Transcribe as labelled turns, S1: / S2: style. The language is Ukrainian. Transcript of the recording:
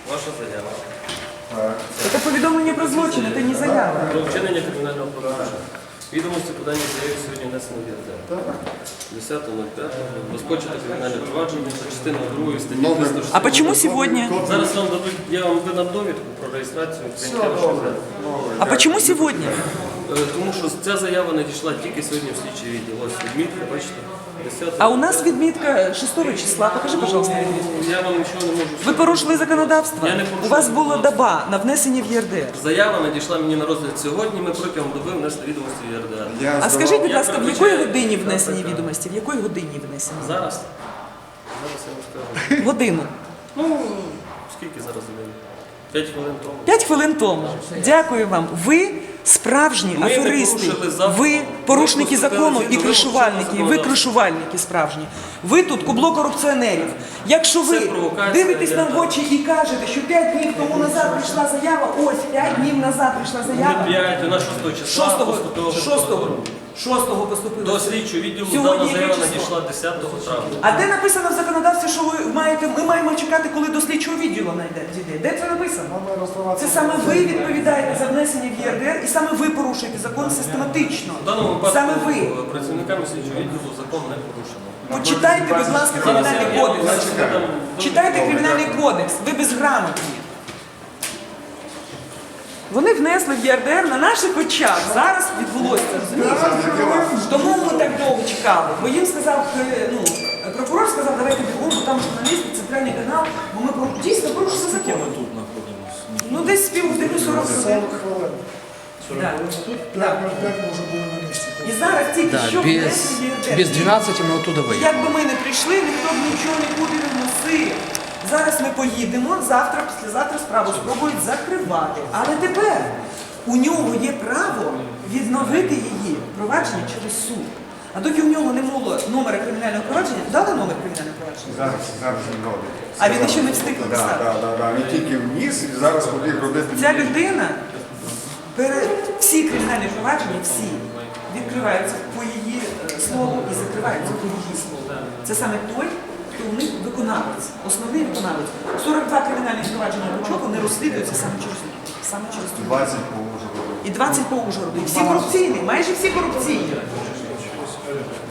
S1: Ваша заява.
S2: Це повідомлення про злочин, це не заява.
S1: Про вчинення кримінального провадження. Відомості подання заяви сьогодні внесено в ЄРДР. 10.05. Розпочато кримінальне провадження за частиною 2 статті 360.
S2: А почему сегодня?
S1: Зараз вам дадуть, я вам видам довідку про реєстрацію прийняття вашої заяви.
S2: А почему сегодня?
S1: Тому що ця заява надійшла тільки сьогодні в слідчий відділ. Ось відмітка, бачите. 10.
S2: А у нас відмітка 6 числа. Покажи, пожалуйста, відмітку.
S1: Я вам нічого не можу.
S2: Ви порушили законодавство?
S1: Я не порушив.
S2: У вас була доба на внесення в ЄРДР.
S1: Заява надійшла мені на розгляд сьогодні, ми протягом доби внесли відомості в ЄРДР.
S2: А скажіть, будь ласка, в якої
S1: передбачаю-
S2: годині внесені відомості? В якої годині внесені?
S1: Зараз? Зараз я вам скажу.
S2: Годину.
S1: Ну, скільки зараз годин? 5 хвилин тому.
S2: 5 хвилин тому. Дякую вам. Ви справжні
S1: Ми не
S2: аферисти.
S1: порушили закон.
S2: Ви порушники
S1: Ми
S2: закону
S1: поступили
S2: і
S1: згідно
S2: кришувальники.
S1: вимог
S2: Ви
S1: законодавства.
S2: кришувальники справжні. Ви тут кубло корупціонерів. Якщо ви
S1: Це провокація,
S2: дивитесь нам в
S1: я-
S2: очі і кажете, що 5 днів тому назад прийшла заява, ось 5 днів назад прийшла заява.
S1: Не 5, вона 6 числа.
S2: 6-го поступила.
S1: До слідчого відділу
S2: Сьогодні
S1: дана
S2: яке
S1: заява
S2: число?
S1: надійшла 10 травня.
S2: А де написано в законодавстві, що ми маємо чекати, коли до слідчого відділу дійде? Де це написано? Це саме ви відповідаєте за внесення в ЄРДР і саме ви порушуєте закон систематично.
S1: В даному випадку
S2: Саме ви.
S1: працівниками слідчого відділу закон не порушено.
S2: Почитайте, будь ласка, кримінальний кодекс. Читайте кримінальний кодекс, ви безграмотні. Вони внесли в ЄРДР на наших очах. Зараз відбулося, розумієте? Тому ми так довго чекали. Бо їм сказав, прокурор сказав, давайте бігом, бо там журналісти, центральний канал, бо ми дійсно порушили закон.
S3: Тут знаходимося.
S2: Ну десь півгодини 40 хвилин. Да. Да. І зараз тільки що внесли в ЄРДР.
S4: Без 12 мы оттуда выйдем.
S2: Якби ми не прийшли, ніхто б нічого нікуди не вносив. Зараз ми поїдемо, завтра, післязавтра справу спробують закривати. Але тепер у нього є право відновити її провадження через суд. А доки у нього не було номера кримінального провадження, дали номер кримінального провадження?
S5: Зараз він робить.
S2: А він ще не встиг написати.
S5: Так. Він тільки вніс і зараз побіг робити.
S2: Ця людина, всі кримінальні провадження, всі, відкриваються по її слову і закриваються по її слову. Це саме той, хто у них виконавець, основний виконавець. 42 кримінальні провадження Бучова не розслідуються саме через них. Саме через ту.
S5: 20 по Ужгороду.
S2: І 20 по Ужгороду. І всі корупційні, майже всі корупційні.